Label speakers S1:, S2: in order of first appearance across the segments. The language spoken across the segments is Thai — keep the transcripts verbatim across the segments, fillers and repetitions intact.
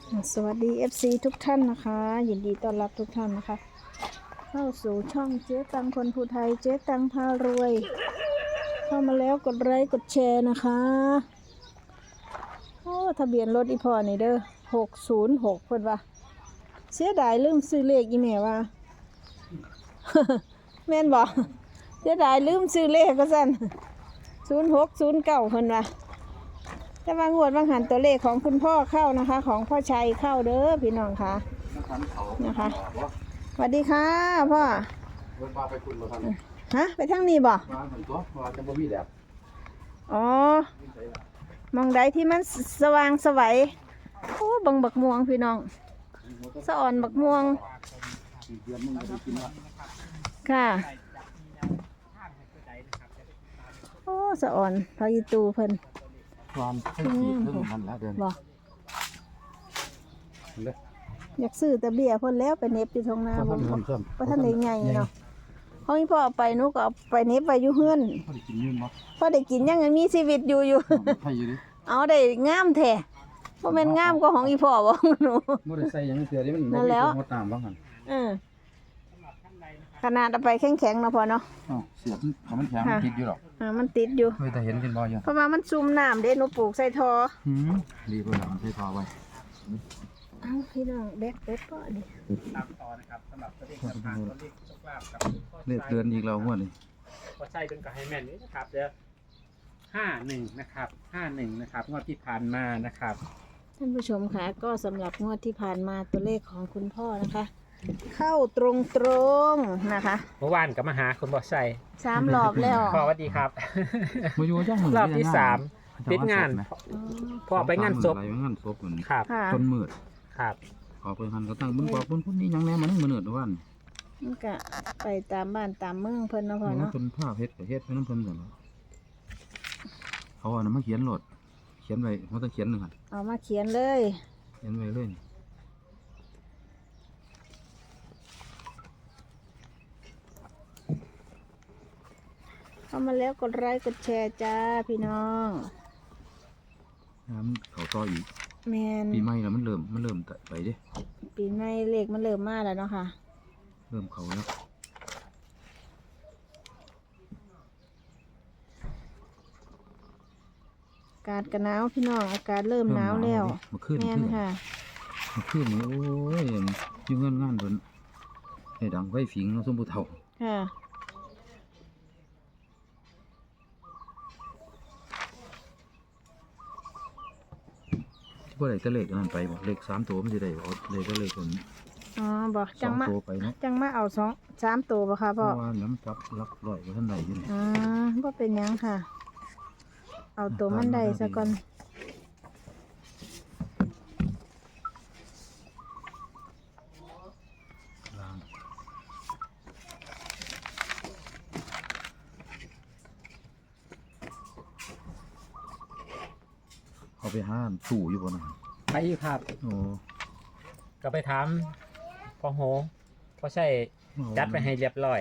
S1: สวัสดี เอฟ ซี ทุกท่านนะคะยินดีต้อนรับทุกท่านนะคะเข้าสู่ช่องเจ๊ตังคนภูไทยเจ๊ตังพารวยเข้ามาแล้วกดไลค์กดแชร์นะคะโอ้ทะเบียนรถอีพอนี่เด้อหกศูนย์หกเพิ่นว่าเสียดายลืมซื้อเลขอีแม่ว่า แม่นบอกเสียดายลืมซื้อเลขก็สั่นศูนย์หกศูนย์เก้าเพิ่นว่าแต่ว่างวดบางหันตัวเลขของคุณพ่อเข้านะคะ ของพ่อชัยเข้าเด้อพี่น้องค่ะนะคะสวัสดีค่ะพ่อไปคุณมาทำฮะไปทางนี้บ่มาถึงตัวมาจะบ่มีแดดอ๋อมองใดที่มันสว่างสวัยโอ้บังบักม่วงพี่น้องสะอ่อนบักม่วงค่ะโอ้สะอ่อนพายิตูเพิ่นความขึ้นขึ้นมันแล้วเดินบ่อยากซื้อแต่เบี้ยเพิ่นแล้วไปเน็บอยู่ตรงน้ำเพราะท่านได้ใหญ่เนาะเขาให้พ่อไปนุก็เอาไปเน็บไปอยู่เฮือนพ่อได้กินยืนบ่พ่อได้กินยังมีชีวิตอยู่อยู่เอาได้งามแท้บ่แม่นงามกว่าของอีพ่อบ่หนูบ่ได้ใส่หยังเสียดิมันนั่นแล้วงดน้ำบ่หั่นเออขนาดเอาไปแข็งๆเนาะพ่อเนาะอ๋อเสียบมันแข็งมันติดอยู่หรอกอ่ามันติดอยู่เคยแต่เห็นเป็นบ่อยู่เพราะว่ามันซุ่มน้ำเด้หนูปลูกใส่ท่อหืมดีกว่าใส่ท่อไว้เอ้าพี่น้องแบกเป็ดก็ดิตามต่อนะครับสำหรับตัวเลขสำคัญตัวเลขโชคลาภกับเลขเดือนอีกแล้วงวดนี้พอใช่เป็นกับให้แม่นนี่นะครับเด้อห้าหนึ่งนะครับห้าหนึ่งนะครับงวดที่ผ่านมานะครับท่านผู้ชมค่ะก็สำหรับงวดที่ผ่านมาตัวเลขของคุณพ่อนะคะเข้าตรงตรงนะคะ
S2: เมื่อวานก็มาหาคุณบอสใส่
S1: สามรอบแล้ว
S2: พ่อสวัสดีครับรอบที่สามติดงานพ่อไปงานศพ
S3: งานศพเหมือน
S2: ครับ
S3: คนมืด
S2: ครับ
S3: ขอไปหันก็ตั้งบุญบอกบุญพุ่นนี่ยังแน่มันมือเนือดวัน
S1: มันก็ไปตามบ้านตามเมืองเพิ่นเนาะพ่อเนาะ
S3: เป็นผ้าเพชรกับเพชรเป็นน้ำเพิ่นกันเขาเอาน้ำมาเขียนโหลดเขียนไว้เขาต้องเขียนหนึ่งอ่ะ
S1: เอามาเขียนเลย
S3: เขียนไว้เลย
S1: เข้ามาแล้วกดไลค์กดแชร์จ้าพี่น้อง
S3: น้ำเขาต่ออีก
S1: แมน
S3: ปีใหม่แล้วมันเริ่มมันเริ่มไปดิ
S1: ปีใหม่เลขมันเริ่มมาแล้วเนาะค่ะ
S3: เริ่มเขาแล้ว
S1: อากาศกันหนาวพี่น้องอากาศเริ่มหนาวแล้ว
S3: แม่นค่ะมาขึ้นนี่โอ้ยยุ่งเงินงานเพิ่นให้ดังไฟฝิงเนาะสมบูรณ์เท่า
S1: ค่ะ
S3: ว่าอะไรจะเลขนั่นไปบอกเลขสามตัวไม่ได้เอาเลขก็เลขคน
S1: อ๋อบอกจังมาจังมาเอาสองสามตัวป่ะคะพ่อ
S3: ว่าน้ำจับลักลอยว่าท่านใดอยู่
S1: อ๋อว่าเป็นยังค่ะเอาตัวมันใดซะก่อน
S3: เขาไปห้ามสู่อยู่บนนั้น
S2: ไปครับ
S3: โอ้
S2: ก็ไปถามพ่อโหเพราะใช่จัดไปให้เรียบร้อย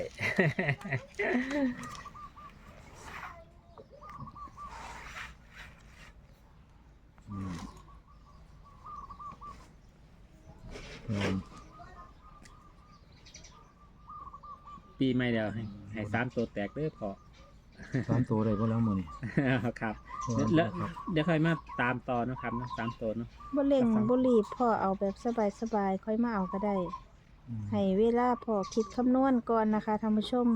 S2: ปีใหม่เดียวให้ให้สามตัวแตกเด้อพอ
S3: สามตัวได้ก็แล้วมือนี่
S2: ครับแล้วเดี๋ยวค่อยมาตามต่อนะครับนะสามตัวเนาะ
S1: บ่เร่งบ่รีบพ่อเอาแบบสบายๆค่อยมาเอาก็ได้ให้เวลาพ่อคิดคำนวณก่อนนะคะท่านผู้ชม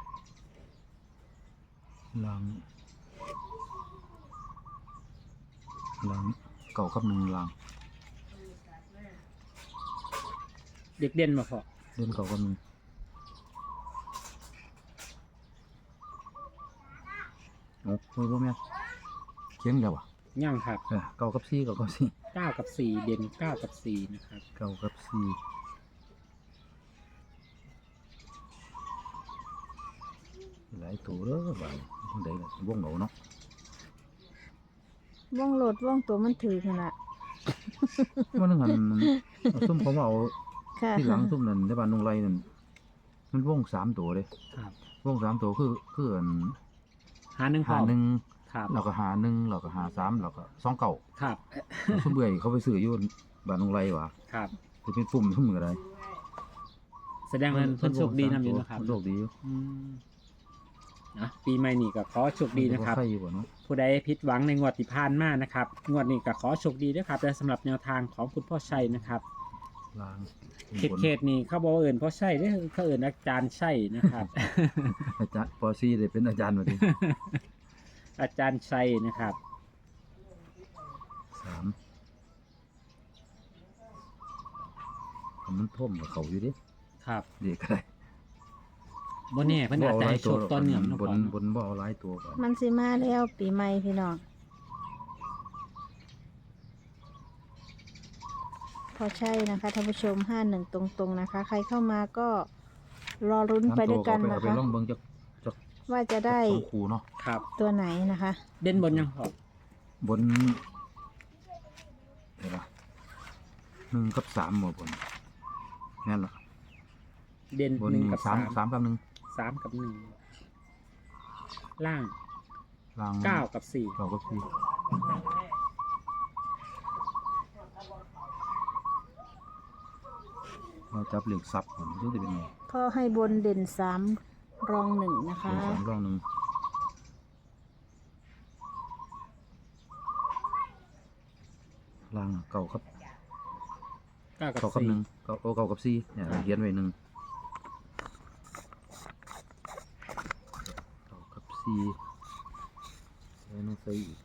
S3: หลังหลังเก่ากับหนึ่งหลัง
S2: เด็กเด่นมาพอ
S3: เด่นเก่ากับหนึ่งโอ้คุยพ่อแม่เขียนเดียวอ่ะ
S2: ย่างครับ
S3: เก้ากับสี่เก้ากับสี่
S2: เก้ากับสี่เด่นเก้ากับสี่นะครับ
S3: เก้ากับสี่หลายตัวเด้อบ่ายคนใดล่ะวงเหนาเนาะ
S1: วงโหลดวงตัวมันถือขนาด
S3: มันหันซุ่มเขาเอาที่หลังซุ่มนั่นในบ้านนงไรนั่นมันวงสามตัวเลยวงสามตัวคือคือ
S2: หาหนึ่ง
S3: หาหนึ่งเราก็หาหนึ่งเราก็หาสามเราก็สองเก่า
S2: ครับ
S3: สมเบื่อเขาไปซื้อยุ่นบ้านนงไรวะ
S2: ครับ
S3: จะเป็นปุ่มทุ่มอะไร
S2: แสดงว่าเพิ่นโชคดีนำอยู่นะครับ
S3: โชคดีอยู่
S2: อืมนะปีใหม่นี่ก็ขอโชคดีนะครับ
S3: ใครอยู่บ่เนาะ
S2: ผู้ใดผิดหวังในงวดที่ผ่านมานะครับงวดนี้ก็ขอโชคดีด้วยครับและสำหรับแนวทางของคุณพ่อชัยนะครับ
S3: ลาง
S2: เขตเขตนี่เขาบอกว่าเอิญพ่อชัยเด้อเขาเอิญอาจารย์ชัยนะครับ
S3: อาจารย์ปอซี่เลยเป็นอาจารย์มาดิ
S2: อาจารย์ชัยนะครับ
S3: สามมันท่วมกับเขาอยู่ดิ
S2: ครับ
S3: เด็กอะไร
S2: บนนี่เพิ่นอาจจะให้โชคต้นเหนือม
S3: บนบนบ่เอาหลายตัวก่อน
S1: มันสิมาแล้วปีใหม่พี่น้องพอใช่นะคะท่านผู้ชมห้าหนึ่งตรงๆนะคะ ใครเข้ามาก็รอรุ้นไปด้วยกัน
S3: เอา
S1: นะ
S3: ไป
S1: คะ
S3: ลองเบิ่งจักจัก
S1: ว่าจะได้
S3: สองคู่เนาะ
S2: ครับ
S1: ตัวไหนนะคะ
S2: เด่นบนยังพอบ
S3: นเดี๋ยวนะหนึ่งกับสามหมดบนแน่นละ
S2: เด่น
S3: บน
S2: หนึ่ง
S3: นี้
S2: กับ
S3: สา
S2: สาม ม
S3: สามกับหนึ่ง
S2: สามกับหนึ่งล่าง
S3: ลาง
S2: เก้ากับสี่
S3: เก้ากับสี่เราจับเหล็กซับผมรู้จะเป็นไง
S1: พ่อให้บนเด่นสามรองหนึ่งนะคะ
S3: เป็นสามร่องหนึ่งลางเก้ากับ
S2: เก้ากับ
S3: เก้ากับ
S2: สี่
S3: หนึ่งเก้าโอ้เก้ากับสี่เนี่ยเขียนไว้หนึ่งเก้ากับสี่แล้วน้องใส่อีก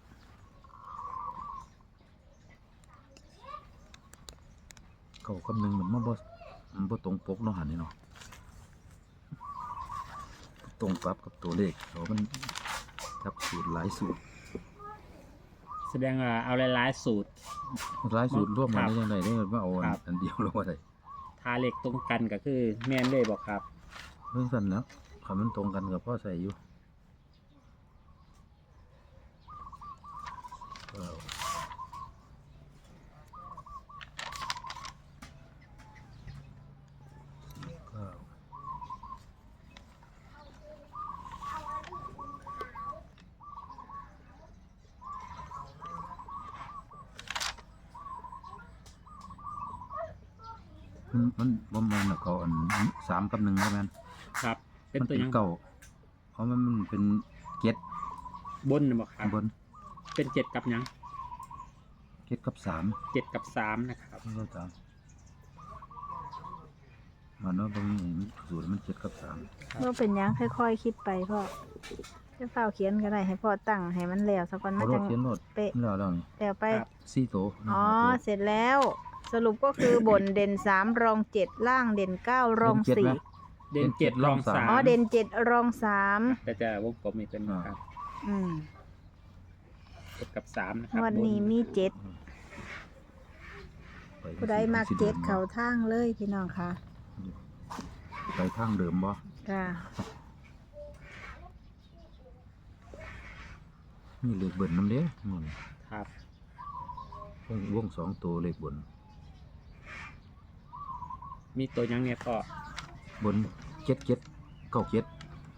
S3: เก้ากับหนึ่งมันมาบ่มันบ่ตรงปกเนาะหันนี่เนาะตรงกับกับตัวเลขเขามันจับสูตรหลายสูตร
S2: แสดงว่าเอาหลายๆสูตร
S3: หลายสูตรร่วมกัน
S2: ครับ
S3: ได้ยังไงได้ว่าเอาอัน
S2: ครับ
S3: อันเดียวแล้วว่าได้
S2: ทาเหล็กตรงกันก็คือแม่นเลยบอกครับ
S3: เรื่องสั้นแล้วคำมันตรงกันกับพ่อใส่อยู่เก้าเก้ามันมันบ่แม่นน่ะเขาอันสามกับหนึ่งแล้วแม่น
S2: ครับ เป็น
S3: มัน
S2: ตัว
S3: เป็น
S2: ยัง
S3: เก่าเพราะมันมันเป็นเก็ด
S2: บนบอกครับ
S3: บน
S2: เป็นเจ็ดกับยัง
S3: เก็ดกับสาม
S2: เจ็ดกับสามนะครับ
S3: ไม่เข้าใจมันว่าบางอย่างสูตรมันเก็ดกับสาม
S1: ว่าเป็นหยังค่อยๆคิดไปพ่อจะเฝ้าเขียนก็ได้ให้พ่อตั้งให้มันแล้วสักวัน
S3: เขา
S1: มัน
S3: โร
S1: จะ
S3: ดเขียนโรด
S1: เป๊ะ
S3: แล้วแล้วนี่
S1: แล้วไป
S2: ครับ
S3: สี่โตว
S1: อ๋อ
S3: ห้าตัว
S1: เสร็จแล้ว สรุปก็คือบนเด่นสามรองเจ็ดล่างเด่นเก้ารอง
S3: เจ็ด
S1: สี่
S3: ไหม
S2: เด่นเจ็ดรองสาม
S1: อ๋อเด่นเจ็ดรองสาม
S2: แต่จะวงกลมอีกเป็นครับ
S1: อืม
S2: เจ็ดกับสามนะครับ
S1: วันนี้มีเจ็ด
S3: ไป
S1: ผู้ใดมักเจ็ดเขาทางเลยพี่น้องค่ะ
S3: ไปทางเดิมบ่
S1: ค่ะ
S3: มีเลขเบิ่นน้ำเด้มัน
S2: ครับ
S3: วงวงสองตัวเลขบน
S2: มีตัวยังเนี่ยก็
S3: บนเจ็ดเจ็ดเก้าเจ็ด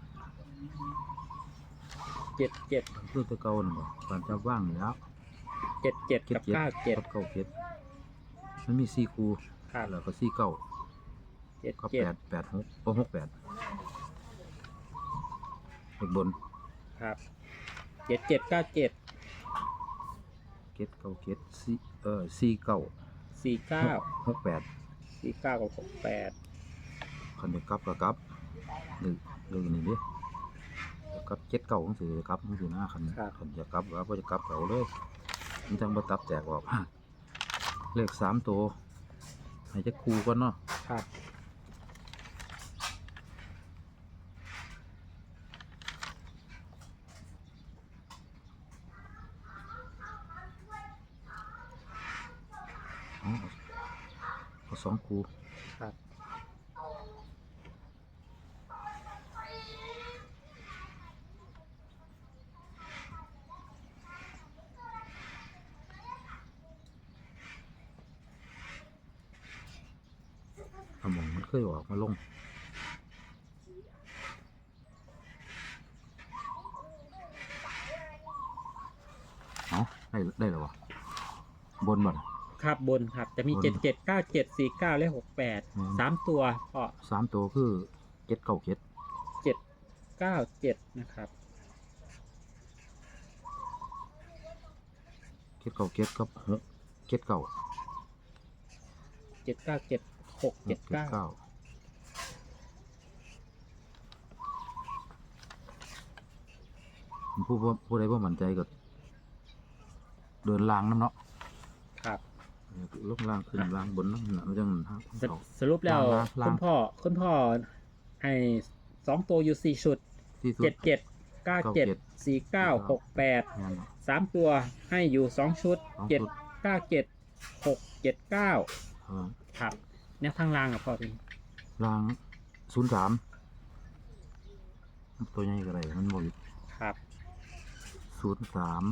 S2: เจ็ดเจ็ด
S3: เพื่อตัวเก่าน่ะบ่การจะว่างอยู่แล้ว
S2: เจ็ดเจ็ด
S3: เจ็ด
S2: กับ
S3: เจ็ด
S2: เก้าเจ็ด
S3: กับเก้าเจ็ดมันมีสี่คู่
S2: ครับ
S3: แล้วก็สี่เก้า
S2: เจ็ด
S3: ก็
S2: เจ็ด
S3: แปดแปดหกโอ้หกแปดเลขบน
S2: ครับเจ็ดเจ็ดเก้าเจ็ด
S3: เจ็ดเก้าเจ็ดสี่เออสี่เก้า
S2: สี่เก้า
S3: หกแปด
S2: สี่เก้ากับหกแปด
S3: คันจะกลับก็กลับหรือหรือนี่ดิกลับเจ็ดเก้าของสือกลับของสือหน้าคันคันจะกลับว่าบ่จะกลับเขาเลยมันจังบ่ตับแตกออก เลขสามตัวให้จะคูก่อนเนาะ
S2: ครับ
S3: เอาเอาสองคู
S2: ครับ
S3: เอาหมองมันเคยออกมาลงเอาได้ได้แล้ววะบนบ่ล่ะ
S2: คครับบนครับจะมี
S3: บน
S2: เจ็ดเจ็ดเก้าเจ็ดสี่เก้าและหกแปด
S3: อืม
S2: สามตัวพ่อ
S3: สามตัวคือเจ็ดเก้าเจ็ด
S2: เจ็ดเก้าเจ็ดนะครับ
S3: เจ็ดเก้าเจ็ดกับหกเจ็ดเก้า
S2: เจ็ดเก้าเจ็ดหกเจ็ดเก้า
S3: เก้าผู้ผู้ผู้ใดผู้มั่นใจก็เดินล่างน้ำเนาะ
S2: ครับ
S3: ลงล่างขึ้นล่างบนน้ำหนักจังหา
S2: สสรุปแล้ว
S3: ล่างล่าง
S2: คุณพ่อคุณพ่อให้สองตัวอยู่สี่ชุด
S3: ที่สุด
S2: เจ็ดเจ็ดเก้าเจ็ดสี่เก้าหกแปด
S3: งานเนาะ
S2: สามตัวให้อยู่สองชุด
S3: สองชุด
S2: เจ็ดเก้าเจ็ดหกเจ็ดเก้า
S3: เออ
S2: ครับแนวทางล่างอ่ะพ่อเป็น
S3: ล่างศูนย์สามตัวใหญ่ก็ไรมันบอก
S2: ครับ
S3: ศูนย์สาม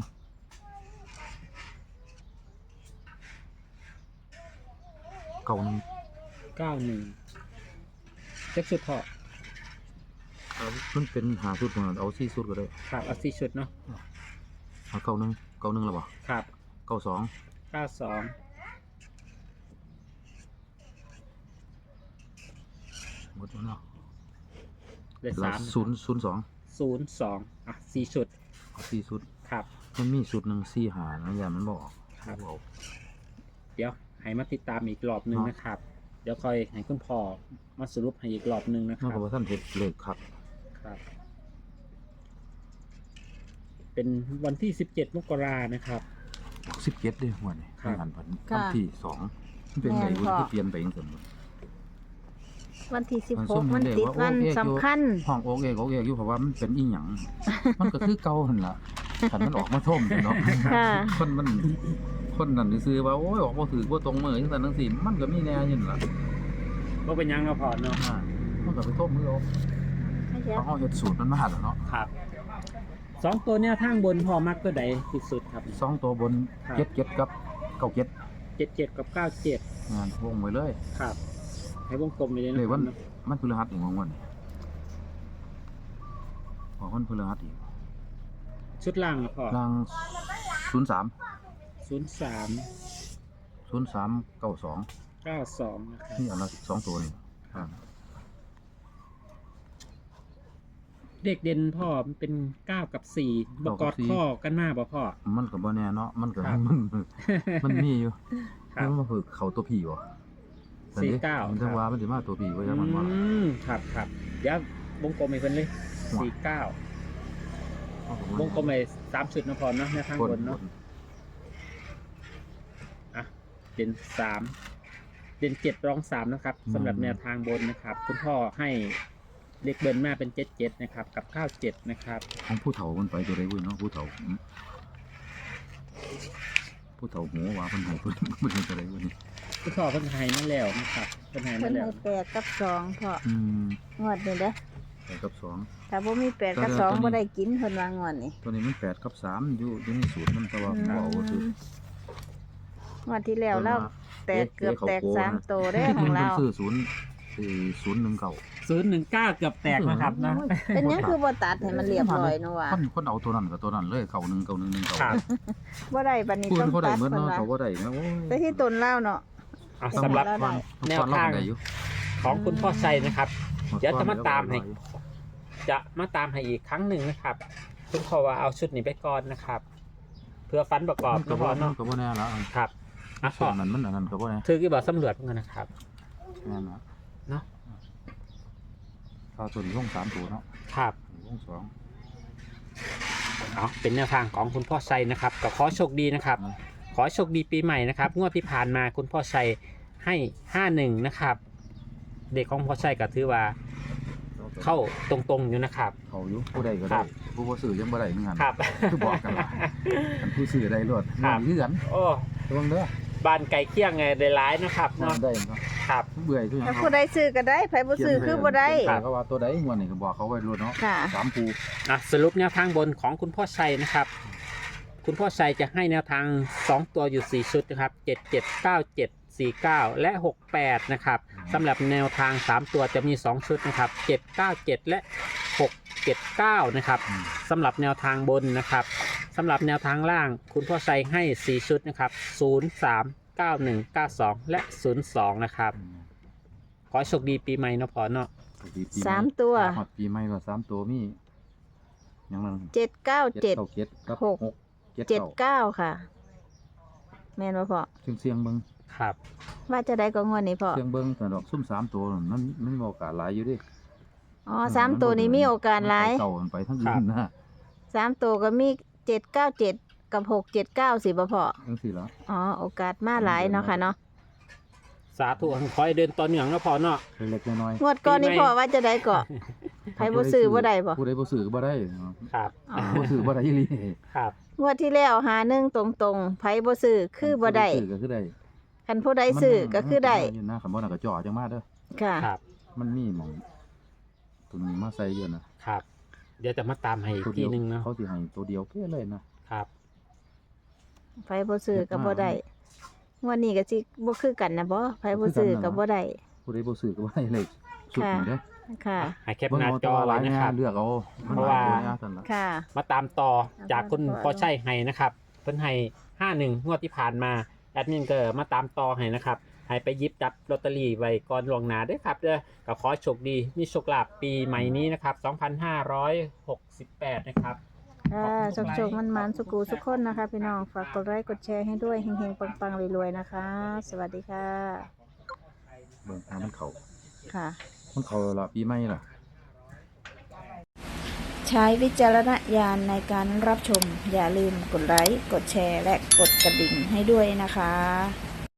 S3: เก้าหนึ่ง
S2: เก้าหนึ่งเจ็ดชุดพ่อ
S3: มันเป็นหาสุดของเอาสี่สุดก็ได้
S2: ครับเอาสี่ชุดเนาะ
S3: เอาเก้าหนึ่งเก้าหนึ่งแล้วบ่
S2: ครับ
S3: เก้าสอง
S2: เก้าสอง
S3: หมดแล้วเนาะ
S2: เลข
S3: แล้
S2: สาว ม
S3: ศูนย์ศูนย์สอง
S2: ศูนย์สองอ่ะสี่ชุด
S3: เอาสี่สุด
S2: ครับ
S3: มันมีสุดหนึ่งสี่หานะอย่ามันบอก
S2: ครับ
S3: เอา
S2: เดี๋ยวให้มาติดตามอีกรอบหนึ่ง
S3: เนาะ
S2: นะครับ เดี๋ยวคอยให้คุณพ่อมาสรุปให้อีกรอบหนึ่งนะค
S3: นอ
S2: รั
S3: ก
S2: บ
S3: จากว่าท่านเห็ดเลขครับ
S2: ครับ เป็นวันที่สิบเจ็ดมกรานะครับ
S3: สิบเจ็ดด้วยหัวนี่
S2: ครับ
S3: งานพัน
S1: ค่ะ
S3: วันที่สองมันเป็นไง
S1: แม่น
S3: วุ้น
S1: พ่อ
S3: ที่เปลี่ยนไปยังไง
S1: วันที่สิบ
S3: มัน
S1: ห
S3: ส้
S1: ก
S3: ม
S1: มัน
S3: เด็ก
S1: ติด
S3: ว่า
S1: วัน
S3: โอเคอยู่
S1: สำคัญ
S3: ห้องโอกเอกโอกเอกอยู่เพราะว่ามันเป็นอีหยัง มันก็คือเก่าหันละขันมันออกมาท่มเนาะ
S1: ค่ะ
S3: คนมันคนนั่นซื้อว่าโอ้ยออกมาถือว่าตรงมือจังซั่นจังซี่มันก็มีแน่อยินนล่ะ
S2: ก็เป็นยังเราะพอเนาะ
S3: อ่ามันก็ไปท่มมือเอา
S1: ไม่ใช่
S3: เพราะเฮาเฮ็ดสูตรมันมาหั่นแล้วเนาะ
S2: ครับสองตัวเนี่ยทางบนพอมักตัวใดที่สุดครับ
S3: สองตัวบน
S2: ครับ
S3: เจ็ดเจ็ดกับเก้าเจ็ด
S2: เจ็ดเจ็ดกับเก้าเจ็ด
S3: งานวงไว้เลย
S2: ครับ ให้วงกลมไปเลยนะ
S3: เลย
S2: ครั
S3: วั
S2: บ
S3: น
S2: เนาะ
S3: มันพฤหัสอีกวันวันออกวันพฤหัสอีก
S2: ชุดล่างอะพอ
S3: รางศูนย์สาม
S2: ศูนย์สาม
S3: ศูนย์สามเก้าสอง
S2: เก้าสองนะครับ
S3: นี่อันละสองตัวนี่
S2: ครับ เด็กเด่นพ่อมันเป็นเก้ากับสี่บกอดข้อกันมากบ่พ่อ
S3: มันก็บ่แน่เนาะมันก็
S2: ครับ
S3: มันมันมีอยู่
S2: ครับ
S3: มันมาฝึกเขาตัวผีบ่
S2: สี่เก้า
S3: มันจะว่ามันสิมาตัวผีบ่ยังมันว่า
S2: อืมครับครับเดี๋ยววงกลมให้เพิ่นเลยสี่เก้า วงกลมไปสามชุดนะพอเนาะในทางบนเนาะอ่ะเด่นสามเด่นเจ็ดรองสามนะครับสำหรับแนวทางบนนะครับ คุณพ่อให้เลขเบิ้ลมาเป็นเจ็ดเจ็ดนะครับ กับข้าวเจ็ดนะครับ
S3: ของผู้เฒ่ามันไปตัวใดเว้ยเนาะผู้เฒ่าอืมผู้เฒ่าหัวว่าเพิ่นให้เพิ่นเพิ่นให้ตัวใดเว้ยนี่
S2: คุณพ่อเพิ่นให้มาแล้วนะครับเพิ่นให้
S1: เพิ่
S2: มาน แล้ว
S1: ให้แปดกับสองพอ
S3: อืม
S1: งวดนี้เด้อ
S3: แปดกับสอง
S1: ถ้าบ่มีแปดกับสองบ่ได้กินเพิ่นว่างวดนี้
S3: ตัวนี้มันแปดกับสามอยู่อยู่ในสูตรมันแต่ว่าบ่เอาคือ
S1: งวดที่แล้วเราแตกเกือบแตกสามโตได้ของเรา
S3: พิ่นซื้อศูนย์สี่ศูนย์หนึ่งเก้า
S2: ศูนย์หนึ่งเก้าเกือบแตกนะครับนะ
S1: เป็นหยังคือบ่ตัดให้มันเรียบร้อยเนาะว่า
S3: คนคนเอาตัวนั้นกับตัวนั้นเลยเก้าหนึ่งเก้าหนึ่งหนึ่งเก้า
S2: ครับ
S1: บ่ได้บัดนี้
S3: พูด
S1: ต้อง
S3: เขาได้
S1: ตัด
S3: เหมือน
S1: เพิ่น
S3: เนาะ
S1: ว่า
S3: เขาก็ได้นะโอ้ย
S1: แต่ที่ต้นเล่าเนาะ
S2: อ่ะสำหรับ
S1: ได้
S3: แนวทางได้อยู่
S2: ของคุณพ่อชัยนะครับ เดี๋ยวจะมาตามให้ จะมาตามให้อีกครั้งหนึ่งนะครับคุณพ่อว่าเอาชุดนี้ไปก่อนนะครับ เพื่อฟันประกอบ
S3: มันก็
S2: นะ
S3: บ่
S2: พ่อ
S3: มัน
S2: เนาะ
S3: ก็บ่แน่ละ
S2: ครับอ่ะ
S3: ช่
S2: พ่
S3: ว
S2: อง
S3: นั้นมันอันนั้นก็บ่แน่
S2: ถือกี่บอกสำรวจเหมือนกันนะครับ
S3: แน่นะ
S2: เนาะ
S3: เอาตัวนี้ลงสามตัวเนาะ
S2: ครับ
S3: ลงสอง
S2: เอาเป็นแนวทางของคุณพ่อชัยนะครับก็ขอโชคดีนะครับ
S3: นะ
S2: ขอโชคดีปีใหม่นะครับงวดที่ผ่านมาคุณพ่อชัยให้ห้าหนึ่งนะครับ เด็กของพ่อชัยก็ถือว่าเข้าตรงๆอยู่นะครับ
S3: เขาอยู่ผู้ใดก็
S2: ค
S3: ได้
S2: รับ
S3: ผู้บ่ซื้อยังบ่ได้เหมือนกัน
S2: ครับ
S3: คือบอกกันว่าอันผู้ซื้อได้รวด
S2: ครับ
S3: มันคือกัน
S2: โอ้
S3: ระวังเด้อ
S2: บ้านไก่เคี่ยงไงได้ร้ายนะครับ
S3: มั
S2: เนาะ
S3: นได้เนาะ
S2: ครับ
S3: เบื่อคือหยัง
S1: ถ้าผู้ใดซื้อก็ได้ไผบ่ซื้อคือบ่ได้
S3: ครับก็ว่าตัวใดงวดนี้ก็บอกเขาไว้รวดเนาะ
S1: ค่ะ
S3: สามปู
S2: อ่ะสรุปแนวทางบนของคุณพ่อชัยนะครับ คุณพ่อชัยจะให้แนวทางสองตัวอยู่สี่ชุดนะครับเจ็ด เจ็ด เก้า เจ็ด สี่ เก้าและหกแปดนะครับสำหรับแนวทางสามตัวจะมีสองชุดนะครับเจ็ด เก้า เจ็ด และหก เจ็ด เก้านะครับ
S3: อืม
S2: สำหรับแนวทางบนนะครับสำหรับแนวทางล่าง คุณพ่อชัยให้สี่ชุดนะครับศูนย์ สามเก้าหนึ่ง เก้าสอง และ ศูนย์สอง นะครับ ขอให้โชคดีปีใหม่เนาะพ่อเนาะ
S1: สามตัว
S3: ฮอดปีใหม่ว่าสามตัวมีหยังนั้น
S1: เจ็ดเก้าเจ็ด
S3: เจ็ดกับ
S1: หก
S3: หกเจ็ด
S1: เจ็ด
S3: เก้า
S1: เก้าค่ะ แม่นบ่พ่อ
S3: เสียงเสียงเบิ่ง
S2: ครับ
S1: ว่าจะได้ก็งวดนี้พ่อ
S3: เสียงเบิ่งแต่ดอกซุ่มสามตัวนั่นมันมันมีโอกาสหลายอยู่เดิ
S1: อ๋อสามตัวนี้มีโอกาสหลาย
S3: มันไปเก่ามันไปทั้งอื่นนะ
S1: สามตัวก็มีเจ็ดเก้าเจ็ดกับหกเจ็ดเก้าสิบ่พ่อ
S3: จังซี่ล่ะ
S1: อ๋อโอกาสมาหลายเนาะค่ะเนาะ
S2: สาธุขอให้เดินต่อเนื่องเนาะพ่อเนาะ
S3: เล็กๆน้อย
S1: งวดก่อนนี่พ่อว่าจะได้ก็
S3: ๆ
S1: ไผบ่ซื้อบ่ได้บ่
S3: ผู้ใดบ่ซื้อก็บ่ได้
S2: ครับ
S1: อ๋อ
S3: บ่ซื้อบ่ได้อีหลี
S2: ครับ
S1: งวดที่แล้วหาหนึ่งตรงๆไผบ่ซื้อคือบ่ได้
S3: ซื้อก็คือได้
S1: คันผู้ใดซื้อก็คือได้
S3: มันอยู่นะคันบ่น่ะก็จ่อจังมาเด้อ
S1: ค่ะ
S2: ครับ
S3: มันมีหม่องตัวนี้มาใส่อยู่นะครับ
S2: เดี๋ยวจะมาตามให้อีก
S3: ตัว
S2: ที
S3: เดียว
S2: หนึงเนาะ
S3: เขาสิให้ตัวเดียวเพ่เลยนะ
S2: ครับ
S1: ไผบ่ซื้อก็บ่ได้งวดนี้ก็สิบ่คือกันนะบ่ไผบ่ซื้อก็บ่ได้
S3: ผู้ใดบ่ซื้อก็บ่ได้เลยสุดนี่เด้อ
S1: ค่ะ
S2: ให้แคปหน้าจอไว้นะครับ
S3: เลือกเอา
S2: เพราะว่า
S3: ซั่นล่ะ
S1: ค่ะ
S2: มาตามต่อจากคุณพ่อใช่ให้นะครับเพิ่นให้ห้าหนึ่งงวดที่ผ่านมาแอดมินก็มาตามต่อให้นะครับให้ไปหยิบจับลอตเตอรี่ไว้ก่อนล่วงหน้าด้วยครับเด้อก็ขอให้โชคดีมีโชคลาภปีใหม่นี้นะครับสองพันห้าร้อยหกสิบแปดนะครับ
S1: ค่ะโชคๆมันๆสุกูทุกคนนะคะพี่น้องฝากกดไลค์กดแชร์ให้ด้วยเฮงๆปังๆรวยๆนะคะ สวัสดีค่ะ
S3: เบิ่งทางมันเข้า
S1: ค่ะ
S3: มันเข้าแล้วล่ะปีใหม่ล่ะ
S1: ใช้วิจารณญาณในการรับชม อย่าลืมกดไลค์ กดแชร์ และกดกระดิ่งให้ด้วยนะคะ